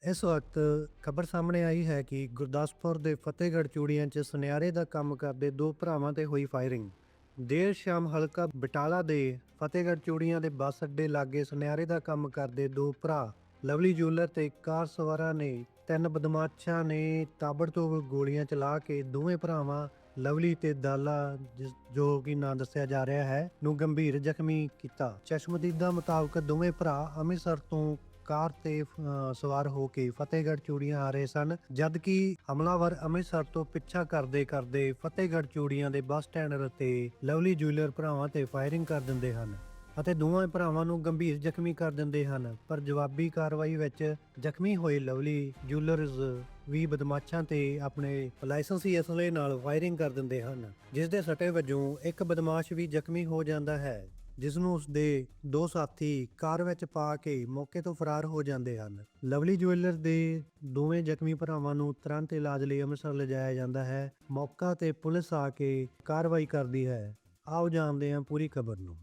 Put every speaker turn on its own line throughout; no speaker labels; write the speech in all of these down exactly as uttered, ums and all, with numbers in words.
ਇਸ ਵਕਤ ਖਬਰ ਸਾਹਮਣੇ ਆਈ ਹੈ ਕਿ ਗੁਰਦਾਸਪੁਰ ਦੇ ਫਤਿਹਗੜ੍ਹ ਚੂੜੀਆਂ 'ਚ ਸੁਨਿਆਰੇ ਦਾ ਕੰਮ ਕਰਦੇ ਦੋ ਭਰਾਵਾਂ ਤੇ ਹੋਈ ਫਾਇਰਿੰਗ। ਦੇਰ ਸ਼ਾਮ ਹਲਕਾ ਬਟਾਲਾ ਦੇ ਫਤਿਹਗੜ੍ਹ ਚੂੜੀਆਂ ਦੇ ਬੱਸ ਅੱਡੇ ਲਾਗੇ ਸੁਨਿਆਰੇ ਦਾ ਕੰਮ ਕਰਦੇ ਦੋ ਭਰਾ ਲਵਲੀ ਜੂਲਰ ਤੇ ਕਾਰ ਸਵਾਰਾਂ ਨੇ ਤਿੰਨ ਬਦਮਾਸ਼ਾਂ ਨੇ ਤਾਬੜਤੋੜ ਗੋਲੀਆਂ ਚਲਾ ਕੇ ਦੋਵੇਂ ਭਰਾਵਾਂ ਲਵਲੀ ਤੇ ਦਾਲਾ, ਜੋ ਕਿ ਨਾਂ ਦੱਸਿਆ ਜਾ ਰਿਹਾ ਹੈ, ਨੂੰ ਗੰਭੀਰ ਜ਼ਖਮੀ ਕੀਤਾ। ਚਸ਼ਮਦੀਦਾਂ ਮੁਤਾਬਕ ਦੋਵੇਂ ਭਰਾ ਅੰਮ੍ਰਿਤਸਰ ਤੋਂ ਕਾਰ ਤੇ ਸਵਾਰ ਹੋ ਕੇ ਫਤਿਹਗੜ੍ਹ ਚੂੜੀਆਂ ਆ ਰਹੇ ਸਨ, ਜਦ ਕਿ ਹਮਲਾਵਰ ਅੰਮ੍ਰਿਤਸਰ ਤੋਂ ਪਿੱਛਾ ਕਰਦੇ ਕਰਦੇ ਫਤਿਹਗੜ੍ਹ ਚੂੜੀਆਂ ਦੇ ਬੱਸ ਸਟੈਂਡ ਤੇ ਲਵਲੀ ਜੂਲਰ ਭਰਾਵਾਂ ਤੇ ਫਾਇਰਿੰਗ ਕਰ ਦਿੰਦੇ ਹਨ ਅਤੇ ਦੋਵਾਂ ਭਰਾਵਾਂ ਨੂੰ ਗੰਭੀਰ ਜ਼ਖਮੀ ਕਰ ਦਿੰਦੇ ਹਨ। ਪਰ ਜਵਾਬੀ ਕਾਰਵਾਈ ਵਿੱਚ ਜ਼ਖਮੀ ਹੋਏ ਲਵਲੀ ਜੂਲਰਜ਼ ਵੀ ਬਦਮਾਸ਼ਾਂ ਤੇ ਆਪਣੇ ਲਾਇਸੈਂਸੀ ਅਸਲੇ ਨਾਲ ਫਾਇਰਿੰਗ ਕਰ ਦਿੰਦੇ ਹਨ, ਜਿਸ ਦੇ ਸੱਟੇ ਵਜੋਂ ਇੱਕ ਬਦਮਾਸ਼ ਵੀ ਜ਼ਖਮੀ ਹੋ ਜਾਂਦਾ ਹੈ, ਜਿਸ ਨੂੰ ਉਸਦੇ ਦੋ ਸਾਥੀ ਕਾਰ ਵਿੱਚ ਪਾ ਕੇ ਮੌਕੇ ਤੋਂ ਫਰਾਰ ਹੋ ਜਾਂਦੇ ਹਨ। ਲਵਲੀ ਜੁਐਲਰ ਦੇ ਦੋਵੇਂ ਜ਼ਖਮੀ ਭਰਾਵਾਂ ਨੂੰ ਤੁਰੰਤ ਇਲਾਜ ਲਈ ਅੰਮ੍ਰਿਤਸਰ ਲਿਜਾਇਆ ਜਾਂਦਾ ਹੈ। ਮੌਕਾ ਤੇ ਪੁਲਿਸ ਆ ਕੇ ਕਾਰਵਾਈ ਕਰਦੀ ਹੈ। ਆਓ ਜਾਣਦੇ ਹਾਂ ਪੂਰੀ ਖਬਰ ਨੂੰ।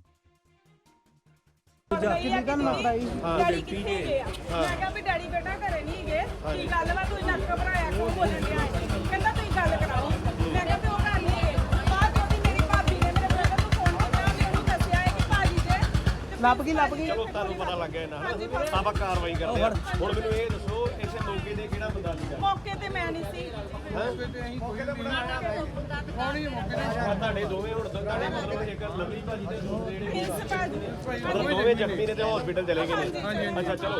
ਡੈਡੀ ਕਿੱਥੇ ਗਏ ਆ? ਮੈਂ ਕਿਹਾ ਵੀ ਡੈਡੀ ਬੇਟਾ ਘਰੇ ਨਹੀਂ ਗਏ। ਕੀ ਗੱਲ ਵਾ, ਤੂੰ ਇੰਨਾ ਘਬਰਾਇਆ ਕਿਉਂ ਬੋਲਣ ਡਿਆ? ਕਹਿੰਦਾ ਤੁਸੀਂ ਗੱਲ ਕਰਾਓ। ਮੈਂ ਕਿਹਾ ਵੀ ਉਹ ਘਰ ਨਹੀਂ ਗਏ। ਬਾਅਦ ਉਹਦੀ ਮੇਰੀ ਭਾਬੀ ਨੇ ਮੇਰੇ ਬ੍ਰਦਰ ਨੂੰ ਫੋਨ ਕੀਤਾ ਤੇ ਉਹਨੂੰ ਦੱਸਿਆ ਹੈ ਕਿ ਭਾਜੀ ਦੇ
ਲੱਭ ਗਈ ਲੱਭ ਗਈ
ਚਲੋ ਤੁਹਾਨੂੰ ਪਤਾ ਲੱਗ ਗਿਆ ਨਾ, ਆਪਾਂ ਕਾਰਵਾਈ ਕਰਦੇ ਹਾਂ। ਹੁਣ ਮੈਨੂੰ ਇਹ ਦੱਸੋ, ਇਸੇ ਮੌਕੇ ਤੇ ਕਿਹੜਾ ਬੰਦਾ ਸੀਗਾ?
ਮੌਕੇ ਤੇ ਮੈਂ ਨਹੀਂ ਸੀ।
ਤੁਹਾਡੇ ਦੋਵੇਂ ਹੁਣ ਤੁਹਾਡੇ ਮਤਲਬ ਇੱਕ ਲਵਲੀ ਭਾਜੀ ਤੇ ਦੂਸਰੇ ਜਿਹੜੇ
ਇਸ ਭਾਜੀ
ਮਤਲਬ ਦੋਵੇਂ ਜ਼ਖਮੀ ਨੇ ਤੇ ਹਸਪੀਟਲ ਚਲੇ ਗਏ ਨੇ। ਅੱਛਾ ਚਲੋ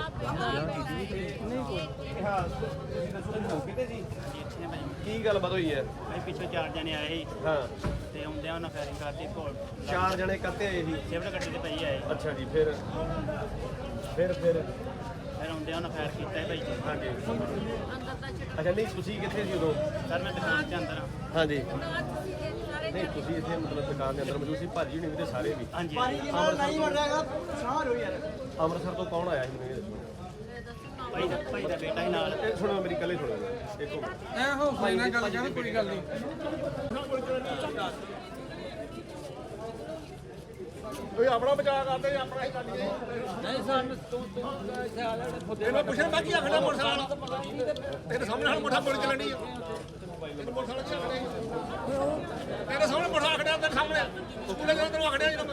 ਹਾਂ, ਤੁਸੀਂ ਦੱਸੋ ਮੌਕੇ ਤੇ ਜੀ ਕੀ ਗੱਲਬਾਤ ਹੋਈ ਹੈ?
ਭਾਈ ਪਿੱਛੇ ਚਾਰ ਜਣੇ ਆਏ ਸੀ
ਹਾਂ,
ਤੇ ਆਉਂਦਿਆਂ ਉਹਨਾਂ ਫਾਇਰਿੰਗ ਕਰਤੀ ਕੋਲ
ਚਾਰ ਜਣੇ ਕੱਤੇ ਆਏ ਸੀ।
ਸਿਵਲ ਗੱਡੀ ਤੇ ਪਈ ਆਏ
ਅੱਛਾ ਜੀ, ਫਿਰ ਫਿਰ ਫਿਰ
ਫਿਰ ਆਉਂਦਿਆਂ ਉਹਨਾਂ ਫਾਇਰ ਕੀਤਾ ਹੈ ਭਾਈ ਜੀ।
ਹਾਂਜੀ, ਅੱਛਾ ਨਹੀਂ ਤੁਸੀਂ ਕਿੱਥੇ ਸੀ ਉਦੋਂ?
ਸਰ ਮੈਂ ਦੁਕਾਨ ਦੇ ਅੰਦਰ ਹਾਂ।
ਹਾਂਜੀ, ਨਹੀਂ ਤੁਸੀਂ ਇੱਥੇ ਮਤਲਬ ਦੁਕਾਨ ਦੇ ਅੰਦਰ ਮੌਜੂਦ ਸੀ, ਭਾਜੀ ਹੁਣੀ ਵੀ ਤੇ ਸਾਰੇ ਵੀ।
ਹਾਂਜੀ
ਅੰਮ੍ਰਿਤਸਰ ਤੋਂ ਕੌਣ ਆਇਆ ਸੀ ਮੈਨੂੰ ਇਹ ਦੱਸੋ?
ਭਾਈ ਦਾ ਭਾਈ ਦਾ ਬੇਟਾ ਹੀ ਨਾਲ।
ਇਹ ਸੁਣੋ ਮੇਰੀ ਕੱਲੇ ਸੁਣੋ ਦੇਖੋ,
ਐ ਹੌਸਲੇ ਨਾਲ ਗੱਲ ਕਰ, ਕੋਈ ਗੱਲ ਨਹੀਂ।
ਕੋਈ ਆਪਣਾ ਬਚਾਅ ਕਰਦੇ ਆਪਣਾ ਹੀ ਕਰੀਏ।
ਨਹੀਂ ਸਾਨੂੰ ਤੂੰ ਤੂੰ
ਇਹਨੂੰ ਪੁੱਛਣ ਮੈਂ ਕੀ ਆਖਣਾ ਮੋਟਰਸਾਈਕਲ ਤੇਰੇ ਸਾਹਮਣੇ ਹਣ ਮੋਟਾ ਗੋਲੀ ਚੱਲਣੀ ਆ। ਤੈਨੂੰ ਮੋਟਰਸਾਈਕਲ ਕੀ ਆਖਣਾ ਤੇਰੇ ਸਾਹਮਣੇ ਮੋਟਾ ਆਖੜਿਆ ਤੇਰੇ ਸਾਹਮਣੇ ਤੂੰ ਲੈ ਤੈਨੂੰ ਆਖੜਿਆ ਜਦੋਂ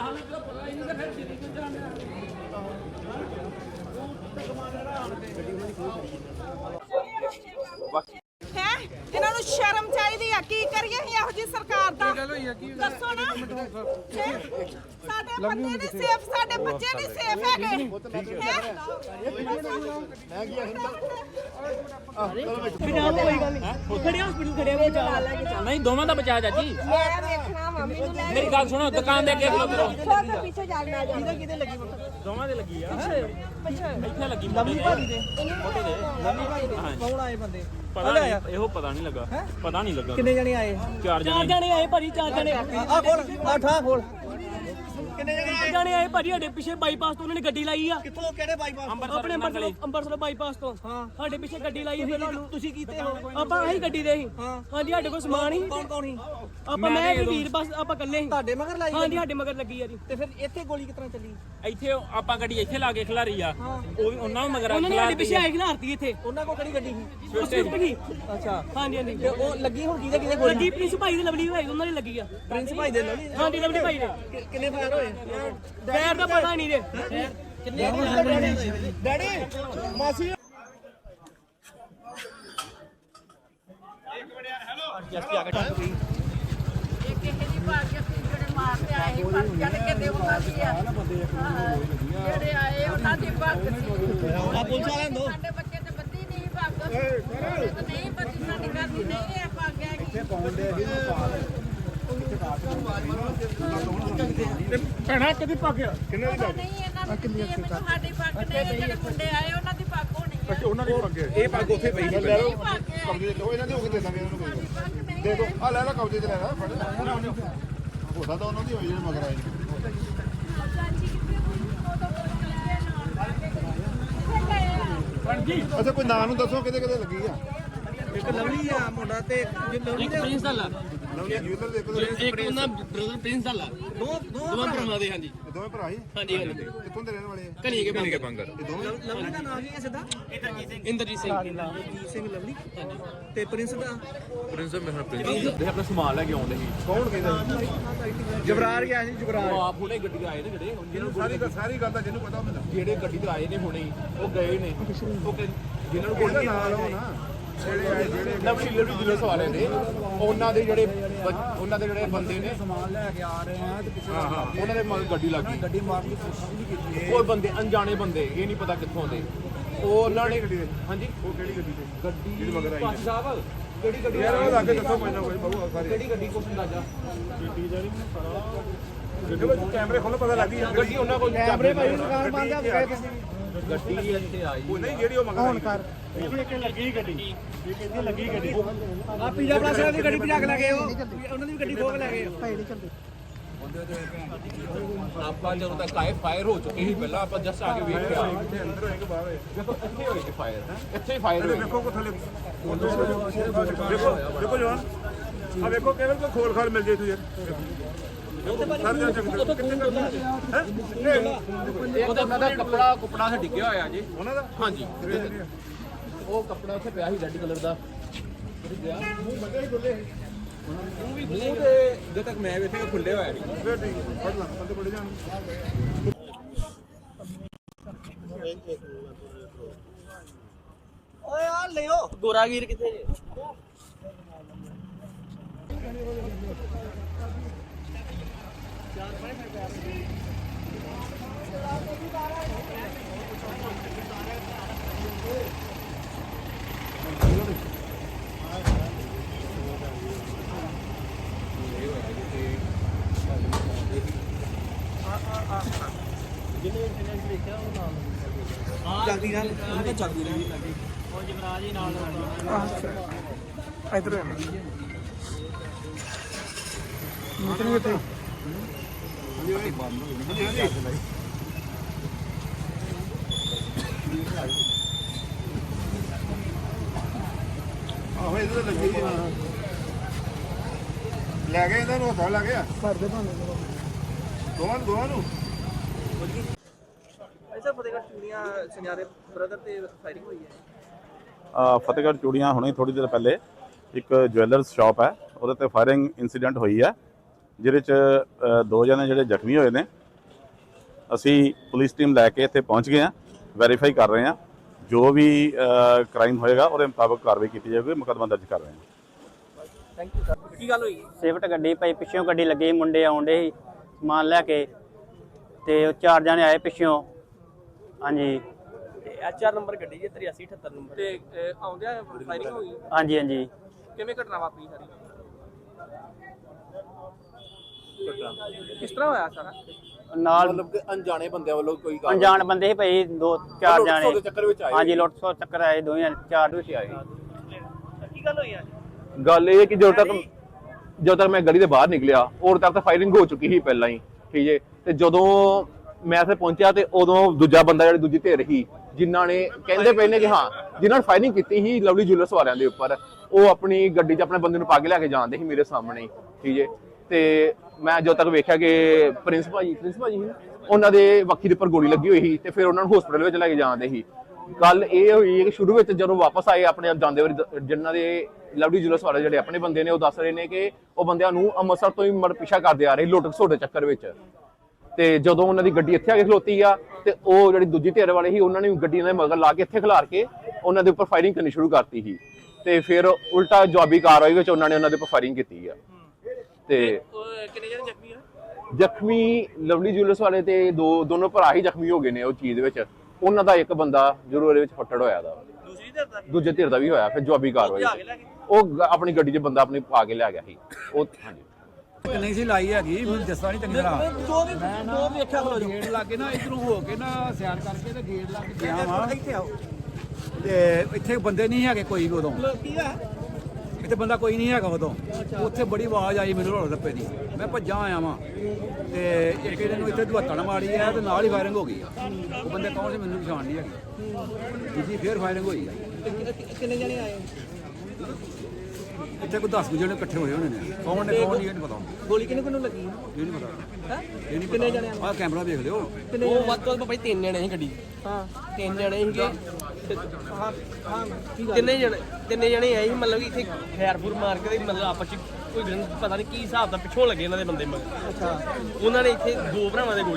ਹੈ ਇਹਨਾਂ ਨੂੰ ਸ਼ਰਮ ਚਾਹੀਦੀ ਆ। ਕੀ ਕਰੀਏ ਅਸੀਂ ਇਹੋ ਜੀ ਸਰਕਾਰ ਦਾ?
ਗੱਲ ਹੋਈ ਆ ਕੀ?
ਦੱਸੋ ਨਾ। ਹੈਂ? ਸਾਡੇ ਬੰਦੇ ਨਹੀਂ ਸੇਫ, ਸਾਡੇ ਬੱਚੇ ਨਹੀਂ ਸੇਫ ਹੈਗੇ।
ਖੜੇ ਹਸਪੀਟਲ ਖੜੇ ਆ, ਬਚਾ ਲੈ ਕੇ ਚੱਲ। ਨਹੀਂ ਦੋਵਾਂ ਦਾ ਬਚਾ ਚਾਚੀ।
ਮੈਂ ਵੇਖਣਾ ਮੰਮੀ ਨੂੰ ਲੈ
ਮੇਰੀ ਗੱਲ ਸੁਣੋ, ਦੁਕਾਨ ਦੇ ਅੱਗੇ ਖਲੋ ਕਰੋ।
ਛੋਟੇ ਪਿੱਛੇ ਜਾਣਾ ਜਾ
ਕਿਹਦੇ ਕਿਹਦੇ ਲੱਗੀ
ਦੋਵਾਂ ਦੇ ਲੱਗੀ ਆ। ਇੱਥੇ ਲੱਗੀ
ਲੰਮੀ ਭਾਜੀ ਦੇ
ਮੋਟੇ ਦੇ।
ਲੰਮੀ ਭਾਜੀ ਦੇ ਕੌਣ ਆਏ ਬੰਦੇ?
ਪਤਾ ਨਹੀਂ, ਇਹੋ ਪਤਾ ਨਹੀਂ ਲੱਗਾ। ਪਤਾ ਨਹੀਂ ਲੱਗਾ
ਕਿੰਨੇ ਜਣੇ ਆਏ?
ਚਾਰ ਜਣੇ ਜਣੇ ਆਏ ਭਾਜੀ, ਚਾਰ ਜਣੇ
ਆ ਖੋਲ, ਆ ਠਾ ਖੋਲ। ਕਿੰਨੇ ਜਣੇ
ਚਾਰ ਜਣੇ ਆਏ ਭਾਜੀ। ਸਾਡੇ ਪਿੱਛੇ ਬਾਈਪਾਸ ਤੋਂ ਉਹਨਾਂ ਨੇ ਗੱਡੀ ਲਾਈ ਆ।
ਕਿੱਥੋਂ ਕਿਹੜੇ ਬਾਈਪਾਸ?
ਆਪਣੇ ਅੰਬਰਸਰ ਅੰਬਰਸਰ ਬਾਈਪਾਸ ਤੋਂ।
ਹਾਂ,
ਸਾਡੇ ਪਿੱਛੇ ਗੱਡੀ ਲਾਈ ਫਿਰ
ਤੁਸੀਂ ਕੀਤੇ ਹੋ?
ਆਪਾਂ ਆਹੀ ਗੱਡੀ ਦੇ ਸੀ।
ਹਾਂ।
ਹਾਂਜੀ, ਸਾਡੇ ਕੋਲ ਸਮਾਨ ਹੀ।
ਕੌਣ ਕੌਣ ਸੀ?
ਆਪਾਂ ਮੈਂ ਤੇ ਵੀਰ ਬਸ ਆਪਾਂ ਇਕੱਲੇ ਸੀ।
ਤੁਹਾਡੇ ਮਗਰ ਲਾਈ?
ਹਾਂਜੀ, ਸਾਡੇ ਮਗਰ ਲੱਗੀ ਆ ਜੀ।
ਤੇ ਫਿਰ ਇੱਥੇ ਗੋਲੀ ਕਿਸ ਤਰ੍ਹਾਂ ਚੱਲੀ?
ਇੱਥੇ ਆਪਾਂ ਗੱਡੀ ਇੱਥੇ ਲਾ ਕੇ ਖਿਲਾਰੀ ਆ। ਉਹ ਵੀ ਉਹਨਾਂ ਨੂੰ ਮਗਰ ਉਹਨਾਂ ਨੇ ਸਾਡੇ ਪਿੱਛੇ ਆਏ ਖਿਲਾਰਤੀ ਇੱਥੇ।
ਉਹਨਾਂ ਕੋਲ ਕਿਹੜੀ ਗੱਡੀ ਸੀ?
ਸਵਿਫਟ ਗਈ।
ਅੱਛਾ,
ਹਾਂਜੀ ਹਾਂਜੀ।
ਤੇ ਉਹ ਲੱਗੀ ਹੁਣ ਕਿਹਦੇ ਕਿਹਦੇ ਗੋਲੀ?
ਲੱਗੀ ਪ੍ਰਿੰਸ ਭਾਈ ਦੀ, ਲਵਲੀ ਭਾਈ ਉਹਨਾਂ ਦੀ ਲੱਗੀ ਆ।
ਪ੍ਰਿੰਸ ਭਾਈ ਦੇ ਲਵਲੀ?
ਹਾਂਜੀ, ਲਵਲੀ ਭਾਈ ਦੇ।
ਕਿ- ਕਿੰਨੇ ਫਾਇਰ ਹੋਏ?
ਫੇਰ ਦਾ ਪਤਾ ਨਹੀਂ ਜੇ।
ਕਿੰਨੇ ਡੈਡੀ ਮਾਸੀ
ਜਿਹੜੇ ਆਏ ਉਹਨਾਂ ਦੀ ਭਗਤ ਸੀ।
ਆ ਪੁਲਿਸ ਵਾਲਿਆਂ ਦੋ
ਸਾਡੇ ਬੱਚੇ ਤੇ ਬੱਦੀ ਨਹੀਂ ਭਗਤ ਨਹੀਂ ਬੱਦੀ ਸਾਡੀ ਘਰ ਦੀ ਨਹੀਂ ਹੈ ਪੱਗ ਹੈ।
ਭੈਣਾ ਕਦੀ ਪੱਕਿਆ? ਕਿੰਨੇ ਦੀ
ਨਹੀਂ ਇਹਨਾਂ ਦੀ ਸਾਡੀ ਪੱਗ ਨਹੀਂ। ਜਿਹੜੇ ਮੁੰਡੇ ਆਏ ਉਹਨਾਂ ਦੀ ਪੱਗ ਹੋਣੀ ਹੈ।
ਉਹਨਾਂ ਦੀ ਪੱਗ ਇਹ ਪੱਗ ਉੱਥੇ ਪਈ ਸੀ।
ਲੈ ਲਓ ਕਬਜ਼ੇ
ਲਓ, ਇਹਨਾਂ ਦੇ ਹੋ ਕੇ ਦੇ ਦਾਂਗੇ ਇਹਨਾਂ ਨੂੰ। ਦੇ ਦੋ ਆ ਲੈ ਲੈ ਕਬਜ਼ੇ ਤੇ ਲੈ ਲੈ ਫੜ ਹੋ ਸਕਦਾ ਉਹਨਾਂ ਦੀ ਹੋਈ ਜਿਹੜੇ ਮਗਰ ਆਏ ਅੱਛਾ ਕੋਈ ਨਾਂ ਨੂੰ ਦੱਸੋ ਕਿਤੇ ਕਿਤੇ ਲੱਗੀ ਆ?
ਇੱਕ ਲਵਲੀ ਆ ਮੁੰਡਾ ਤੇ ਲਵਲੀ ਦੇ
ਪ੍ਰਿੰਸ ਵਾਲਾ ਇੱਕ ਉਹਨਾਂ ਬ੍ਰਦਰ ਪ੍ਰਿੰਸ ਵਾਲਾ
ਦੋ ਦੋ
ਦੋਵਾਂ ਭਰਾਵਾਂ ਦੇ ਹਾਂਜੀ
ਦੋਵੇਂ ਭਰਾ ਹੀ
ਹਾਂਜੀ ਹਾਂਜੀ
ਕਿੱਥੋਂ ਦੇ ਰਹਿਣ ਵਾਲੇ ਆ
ਕਨੀ ਕੇ ਬੰਗਰ
ਲਵਲੀ ਦਾ ਨਾਮ ਕੀ ਹੈ ਸਿੱਧਾ
ਇੰਦਰਜੀਤ ਸਿੰਘ
ਜੀਤ ਸਿੰਘ ਲਵਲੀ ਤੇ ਪ੍ਰਿੰਸ ਦਾ
ਦੇ ਆਪਣਾ ਸਮਾਨ ਲੈ ਕੇ ਆਉਂਦੇ ਸੀ
ਕੌਣ ਕਹਿੰਦਾ
ਜਬਰਾਰ ਗਿਆ ਸੀ ਜਬਰਾਰ
ਉਹ ਆਪ ਹੁਣੇ ਗੱਡੀ ਆਏ ਨੇ ਜਿਹੜੇ ਜਿਹਨੂੰ
ਸਾਰੀ ਸਾਰੀ ਗੱਲ ਦਾ ਜਿਹਨੂੰ ਪਤਾ ਹੁੰਦਾ
ਜਿਹੜੇ ਗੱਡੀ ਤੇ ਆਏ ਨੇ ਹੁਣੇ ਹੀ, ਉਹ ਗਏ ਨੇ ਉਹ ਕਿ- ਜਿਹਨਾਂ ਨੂੰ ਗੋਲੀ
ਨਾਲ ਹੋ ਨਾ ਜਿਹੜੇ ਆਏ ਜਿਹੜੇ
ਨਵੀਂ ਲੜੀ ਜੁਲਸ ਵਾਲੇ ਨੇ ਉਹਨਾਂ ਦੇ ਜਿਹੜੇ ਬ- ਉਹਨਾਂ ਦੇ ਜਿਹੜੇ ਬੰਦੇ ਨੇ
ਸਮਾਨ ਲੈ ਕੇ ਆ ਰਹੇ ਆ ਤੇ ਪਿੱਛੇ
ਹਾਂ ਹਾਂ ਉਹਨਾਂ ਦੇ ਮਗਰ ਗੱਡੀ ਲੱਗ ਗਈ
ਗੱਡੀ ਮਾਰਨ ਦੀ ਕੋਸ਼ਿਸ਼ ਨਹੀਂ ਕੀਤੀ
ਉਹ ਬੰਦੇ ਅਣਜਾਣੇ ਬੰਦੇ ਇਹ ਨਹੀਂ ਪਤਾ ਕਿੱਥੋਂ ਦੇ ਉਹ ਉਹਨਾਂ ਨੇ ਹਾਂਜੀ
ਉਹ ਕਿਹੜੀ ਗੱਡੀ ਤੇ
ਗੱਡੀ
ਜਿਹੜੀ ਮਗਰ ਆਈ
ਭਾਈ ਸਾਹਿਬ ਕਿਹੜੀ ਗੱਡੀ
ਯਾਰ ਉਹ ਲੱਗੇ ਦੱਸੋ ਮੈਨੂੰ ਕੋਈ ਬਹੁ ਸਾਰੇ
ਕਿਹੜੀ ਗੱਡੀ ਕੁਛ ਅੰਦਾਜ਼ਾ
ਦੇਖੋ ਕੈਮਰੇ ਖੋਲੋ ਪਤਾ ਲੱਗ ਗਈ
ਗੱਡੀ ਉਹਨਾਂ ਕੋਲ
ਕੈਮਰੇ ਭਾਈ ਦੁਕਾਨ ਬੰਦ ਆ ਗਏ
ਗੱਡੀ ਇੱਥੇ ਆਈ
ਉਹ ਨਹੀਂ ਜਿਹੜੀ ਉਹ ਮਗਰ ਆਈ
ਕਰ ਆ ਪੀਜ਼ਾ ਪਲਾਸ ਦੀ ਗੱਡੀ ਭਜਾ ਕੇ ਲੈ ਗਏ ਉਹ ਉਹਨਾਂ ਦੀ ਵੀ ਗੱਡੀ ਖੋਹ ਕੇ ਲੈ ਗਏ
ਆਪਾਂ ਜਦੋਂ ਤੱਕ ਆਏ ਫਾਇਰ ਹੋ ਚੁੱਕੀ ਸੀ ਪਹਿਲਾਂ ਆਪਾਂ ਜਸਟ ਆ ਕੇ ਵੇਖ ਕੇ ਆਏ
ਇੱਥੇ ਅੰਦਰ ਹੋਏ ਕਿ ਬਾਹਰ ਹੋਏ
ਦੇਖੋ ਇੱਥੇ ਹੋਈ ਸੀ ਫਾਇਰ ਇੱਥੇ ਹੀ ਫਾਇਰ ਹੋਈ
ਵੇਖੋ ਕੋ ਥੱਲੇ ਦੇਖੋ ਦੇਖੋ ਜਵਾਨ ਆ ਵੇਖੋ ਕੇਵਲ ਕੋ ਖੋਲ ਖਾਲ ਮਿਲ ਜੇ ਤੂੰ ਯਾਰ ਸਰ ਜਾ ਚੱਕ ਹੈ
ਉਹਦਾ ਉਹਨਾਂ ਦਾ ਕੱਪੜਾ ਕੁਪੜਾ ਤੇ ਡਿੱਗਿਆ ਹੋਇਆ ਜੀ
ਉਹਨਾਂ ਦਾ
ਹਾਂਜੀ ਉਹ ਕੱਪੜਾ ਉੱਥੇ ਪਿਆ ਸੀ ਰੈੱਡ ਕਲਰ ਦਾ
ਮੂੰਹ ਬੰਦੇ ਹੀ ਖੁੱਲੇ
ਮੂੰਹ ਦੇ ਜਦੋਂ ਤੱਕ ਮੈਂ ਵੇਖਿਆ ਖੁੱਲੇ ਹੋਇਆ ਸੀ
ਫੇਰ ਠੀਕ ਫੜ ਲਾ ਬੰਦੇ ਬੜੇ ਜਾਣ
ਓਏ ਆ ਲਿਓ
ਗੋਰਾਗੀਰ ਕਿੱਥੇ ਜੇ
ਜਲਦੀ ਨਾਲ ਉਹਨਾਂ ਦਾ ਜਲਦੀ ਨਾਲ
ਉਹ ਜਮਰਾਜ ਹੀ ਨਾਲ
ਇਧਰ ਮੀਟਿੰਗ ਕਿੱਥੇ
ਆਹੋ ਇਹਦੇ ਤੇ ਲੱਗੀ ਹਾਂ ਲੈ ਗਏ ਇਹਨਾਂ ਨੂੰ ਹੱਥਾਂ ਲੱਗ ਗਿਆ
ਘਰ ਦੇ ਭਾਵੇਂ
ਦੋਵਾਂ ਨੂੰ ਦੋਵਾਂ ਨੂੰ
ਐਸਾ ਫਤਿਹਗੜ੍ਹ ਚੂੜੀਆਂ ਸੁਨਿਆਰੇ ਬ੍ਰਦਰ ਤੇ ਫਾਇਰਿੰਗ ਹੋਈ ਹੈ
ਅ, ਫਤਿਹਗੜ੍ਹ ਚੂੜੀਆਂ ਹੁਣੇ ਥੋੜੀ ਦੇਰ ਪਹਿਲੇ ਇੱਕ ਜੁਐਲਰਸ ਸ਼ਾਪ ਹੈ ਉਹਦੇ ਤੇ ਫਾਇਰਿੰਗ ਇਨਸੀਡੈਂਟ ਹੋਈ ਹੈ ਜਿਹਦੇ ਚ ਅ, ਦੋ ਜਣੇ ਜਿਹੜੇ ਜ਼ਖਮੀ ਹੋਏ ਨੇ। ਅਸੀਂ ਪੁਲਿਸ ਟੀਮ ਲੈ ਕੇ ਇੱਥੇ ਪਹੁੰਚ ਗਏ ਹਾਂ, ਵੈਰੀਫਾਈ ਕਰ ਰਹੇ ਹਾਂ, ਜੋ ਵੀ ਕ੍ਰਾਈਮ ਹੋਏਗਾ ਉਹਦੇ ਮੁਤਾਬਕ ਕਾਰਵਾਈ ਕੀਤੀ ਜਾਵੇਗੀ, ਮੁਕੱਦਮਾ ਦਰਜ ਕਰ ਰਹੇ ਹਾਂ।
ਥੈਂਕ ਯੂ ਸਰ ਕੀ ਗੱਲ ਹੋਈ
ਸਿਫਟ ਗੱਡੀ ਭਾਈ ਪਿੱਛੋਂ ਗੱਡੀ ਲੱਗੀ ਮੁੰਡੇ ਆਉਂਦੇ ਸੀ ਸਮਾਨ ਲੈ ਕੇ ਤੇ ਉਹ ਚਾਰ ਜਣੇ ਆਏ ਪਿੱਛੋਂ ਹਾਂਜੀ
ਐਚ ਆਰ ਨੰਬਰ ਗੱਡੀ ਹੈ ਤਰਿਆਸੀ ਅਠੱਤਰ ਨੰਬਰ ਤੇ ਆਉਂਦਿਆਂ ਫਾਇਰਿੰਗ ਹੋਈ
ਹਾਂਜੀ ਹਾਂਜੀ
ਕਿਵੇਂ ਘਟਨਾ ਵਾਪਰੀ ਸਾਰੀ ਕਿਸ ਤਰ੍ਹਾਂ ਹੋਇਆ ਸਾਰਾ
ਨਾਲ
ਮਤਲਬ ਕਿ ਅਣਜਾਣੇ ਬੰਦਿਆਂ ਵੱਲੋਂ ਕੋਈ ਗੱਲ
ਅਣਜਾਣ ਬੰਦੇ ਸੀ ਭਾਈ ਦੋ ਚਾਰ
ਲੁੱਟ ਖੋਹ
ਜਾਣੇ
ਦੇ ਚੱਕਰ ਵਿੱਚ ਆਏ
ਹਾਂਜੀ ਲੁੱਟ ਸੋ ਚੱਕਰ ਆਏ ਦੋਵੇਂ ਚਾਰ ਵਿੱਚ ਆਏ
ਕੀ ਗੱਲ ਹੋਈ ਅੱਜ
ਗੱਲ ਇਹ ਹੈ ਕਿ ਜਦੋਂ ਤੱਕ ਜਦੋਂ ਤੱਕ ਮੈਂ ਗਲੀ ਦੇ ਬਾਹਰ ਨਿਕਲਿਆ ਉਦੋਂ ਤੱਕ ਤਾਂ ਫਾਇਰਿੰਗ ਹੋ ਚੁੱਕੀ ਸੀ ਪਹਿਲਾਂ ਹੀ, ਠੀਕ ਹੈ। ਤੇ ਜਦੋਂ ਮੈਂ ਇੱਥੇ ਪਹੁੰਚਿਆ ਤੇ ਉਦੋਂ ਦੂਜਾ ਬੰਦਾ ਜਿਹੜੀ ਦੂਜੀ ਧਿਰ ਸੀ ਜਿਨ੍ਹਾਂ ਨੇ ਕਹਿੰਦੇ ਪਏ ਨੇ ਕਿ ਹਾਂ ਜਿਨ੍ਹਾਂ ਨੇ ਫਾਇਰਿੰਗ ਕੀਤੀ ਸੀ ਲਵਲੀ ਜੁਐਲਰਸ ਵਾਲਿਆਂ ਦੇ ਉੱਪਰ, ਉਹ ਆਪਣੀ ਗੱਡੀ 'ਚ ਆਪਣੇ ਬੰਦੇ ਨੂੰ ਪਾ ਕੇ ਲੈ ਕੇ ਜਾਂਦੇ ਸੀ ਮੇਰੇ ਸਾਹਮਣੇ ਹੀ, ਠੀਕ ਹੈ। ਤੇ ਮੈਂ ਜਦੋਂ ਤੱਕ ਵੇਖਿਆ ਕਿ ਪ੍ਰਿੰਸ ਭਾਜੀ ਪ੍ਰਿੰਸ ਭਾਜੀ ਸੀ ਉਹਨਾਂ ਦੇ ਵੱਖੀ ਦੇ ਉੱਪਰ ਗੋਲੀ ਲੱਗੀ ਹੋਈ ਸੀ ਤੇ ਫਿਰ ਉਹਨਾਂ ਨੂੰ ਹਸਪੀਟਲ ਵਿੱਚ ਲੈ ਕੇ ਜਾਂਦੇ ਸੀ। ਗੱਲ ਇਹ ਹੋਈ ਕਿ ਸ਼ੁਰੂ ਵਿੱਚ ਜਦੋਂ ਵਾਪਸ ਆਏ ਆਪਣੇ ਆਪ ਜਾਂਦੇ ਵਾਰੀ ਜਿਨ੍ਹਾਂ ਦੇ ਲਵਲੀ ਜੁਐਲਰਸ ਵਾਲੇ ਜਿਹੜੇ ਆਪਣੇ ਬੰਦੇ ਨੇ ਉਹ ਦੱਸ ਰਹੇ ਨੇ ਕਿ ਉਹ ਬੰਦਿਆਂ ਨੂੰ ਅੰਮ੍ਰਿਤਸਰ ਤੋਂ ਹੀ ਮਰ ਪਿੱਛਾ ਕਰਦੇ ਆ ਰਹੇ ਲੁੱਟ ਖਸੁੱਟ ਦੇ ਚੱਕਰ ਵਿੱਚ। ਤੇ ਜਦੋਂ ਉਹਨਾਂ ਦੀ ਗੱਡੀ ਇੱਥੇ ਆ ਕੇ ਖਲੋਤੀ ਆ ਤੇ ਉਹ ਜਿਹੜੀ ਦੂਜੀ ਧਿਰ ਵਾਲੇ ਸੀ ਉਹਨਾਂ ਨੇ ਗੱਡੀ ਦੇ ਮਗਰ ਲਾ ਕੇ ਇੱਥੇ ਖਿਲਾਰ ਕੇ ਉਹਨਾਂ ਦੇ ਉੱਪਰ ਫਾਇਰਿੰਗ ਕਰਨੀ ਸ਼ੁਰੂ ਕਰਤੀ ਸੀ ਤੇ ਫਿਰ ਉਲਟਾ ਜਵਾਬੀ ਕਾਰਵਾਈ ਵਿੱਚ ਉਹਨਾਂ ਨੇ ਉਹਨਾਂ ਦੇ ਉੱਪਰ ਫਾਇਰਿੰਗ ਕੀਤੀ ਆ। ਤੇ
ਕਿੰਨੇ ਜਣੇ ਜ਼ਖਮੀ ਆ
ਜ਼ਖਮੀ ਲਵਲੀ ਜੁਐਲਰਸ ਵਾਲੇ ਤੇ ਦੋ ਦੋਨੋਂ ਭਰਾ ਹੀ ਜ਼ਖਮੀ ਹੋ ਗਏ ਨੇ ਉਹ ਚੀਜ਼ ਵਿੱਚ। ਉਹਨਾਂ ਦਾ ਇੱਕ ਬੰਦਾ ਜ਼ਰੂਰ ਇਹਦੇ ਵਿੱਚ ਫੱਟੜ ਹੋਇਆ ਦਾ,
ਦੂਸਰੀ ਧਿਰ ਦਾ
ਦੂਜੇ ਧਿਰ ਦਾ ਵੀ ਹੋਇਆ। ਫਿਰ ਜਵਾਬੀ ਕਾਰਵਾਈ
ਭਜਾ ਕੇ ਲੈ ਗਏ?
ਉਹ ਗ- ਆਪਣੀ ਗੱਡੀ 'ਚ ਬੰਦਾ ਆਪਣੀ ਪਾ ਕੇ ਲਿਆ ਗਿਆ ਸੀ ਉਹ। ਹਾਂਜੀ
ਨਹੀਂ ਸੀ ਲਾਈ ਹੈਗੀ ਮੈਨੂੰ ਦੱਸਦਾ ਨਹੀਂ ਚੰਗੀ ਤਰ੍ਹਾਂ
ਦੋ ਵੀ ਦੋ ਵੀ ਵੇਖਿਆ ਖਲੋ
ਗੇਟ ਲਾ ਕੇ ਨਾ ਇਧਰੋਂ ਹੋ ਕੇ ਨਾ ਸਿਆਰ ਕਰਕੇ ਤੇ ਗੇਟ ਲਾ ਕੇ ਗਿਆ ਵਾਂ
ਇੱਥੇ ਆਓ
ਤੇ ਇੱਥੇ ਬੰਦੇ ਨਹੀਂ ਹੈਗੇ ਕੋਈ ਵੀ ਉਦੋਂ
ਕੀ ਆ
ਇੱਥੇ ਬੰਦਾ ਕੋਈ ਨਹੀਂ ਹੈਗਾ ਉਦੋਂ। ਉੱਥੇ ਬੜੀ ਆਵਾਜ਼ ਆਈ ਮੈਨੂੰ ਰੋਲ ਰੱਪੇ ਦੀ, ਮੈਂ ਭੱਜਾਂ ਆਇਆ ਵਾਂ ਤੇ ਇੱਕ ਇਹਦੇ ਨੂੰ ਇੱਥੇ ਦੁਹੱਤਣ ਮਾਰੀ ਹੈ ਤੇ ਨਾਲ ਹੀ ਫਾਇਰਿੰਗ ਹੋ ਗਈ ਆ। ਉਹ ਬੰਦੇ ਕੌਣ ਸੀ ਮੈਨੂੰ ਪਛਾਣ ਨਹੀਂ ਹੈਗੀ। ਦੂਜੀ ਫੇਰ ਫਾਇਰਿੰਗ ਹੋਈ ਆ।
ਕਿੰਨੇ ਜਣੇ ਆਏ
ਇੱਥੇ ਕੋਈ ਦਸ ਜਣੇ ਇਕੱਠੇ ਹੋਏ ਹੋਣੇ ਨੇ ਕੌਣ ਨੇ ਕੌਣ ਨਹੀਂ ਇਹ ਨਹੀਂ ਪਤਾ
ਗੋਲੀ ਕਿਹਨੂੰ ਕਿਹਨੂੰ ਲੱਗੀ
ਇਹ ਨਹੀਂ ਪਤਾ
ਹੈ
ਇਹ ਨਹੀਂ
ਕਿੰਨੇ
ਪਤਾ
ਜਣੇ
ਆਹ ਕੈਮਰਾ ਵੇਖ ਲਿਓ
ਉਹ ਵੱਧ ਤੋਂ ਵੱਧ ਭਾਈ ਤਿੰਨ ਜਣੇ ਸੀ ਗੱਡੀ ਹਾਂ ਤਿੰਨ ਜਣੇ ਸੀਗੇ ਤੇ ਹਾਂ ਹਾਂ ਤਿੰਨੇ ਜਣੇ ਤਿੰਨੇ ਜਣੇ ਆਏ ਸੀ ਮਤਲਬ ਕਿ ਇੱਥੇ ਖੈਰਪੁਰ ਮਾਰ ਕੇ ਤੇ ਮਤਲਬ ਆਪਸ ਚ ਕੋਈ ਪਤਾ ਨਹੀਂ ਕੀ ਹਿਸਾਬ ਦਾ ਪਿੱਛੋਂ ਲੱਗੇ ਇਹਨਾਂ ਦੇ ਬੰਦੇ ਮਗਰ ਅੱਛਾ ਉਹਨਾਂ ਨੇ ਇੱਥੇ ਦੋ ਭਰਾਵਾਂ ਦੇ ਗੋਲੀ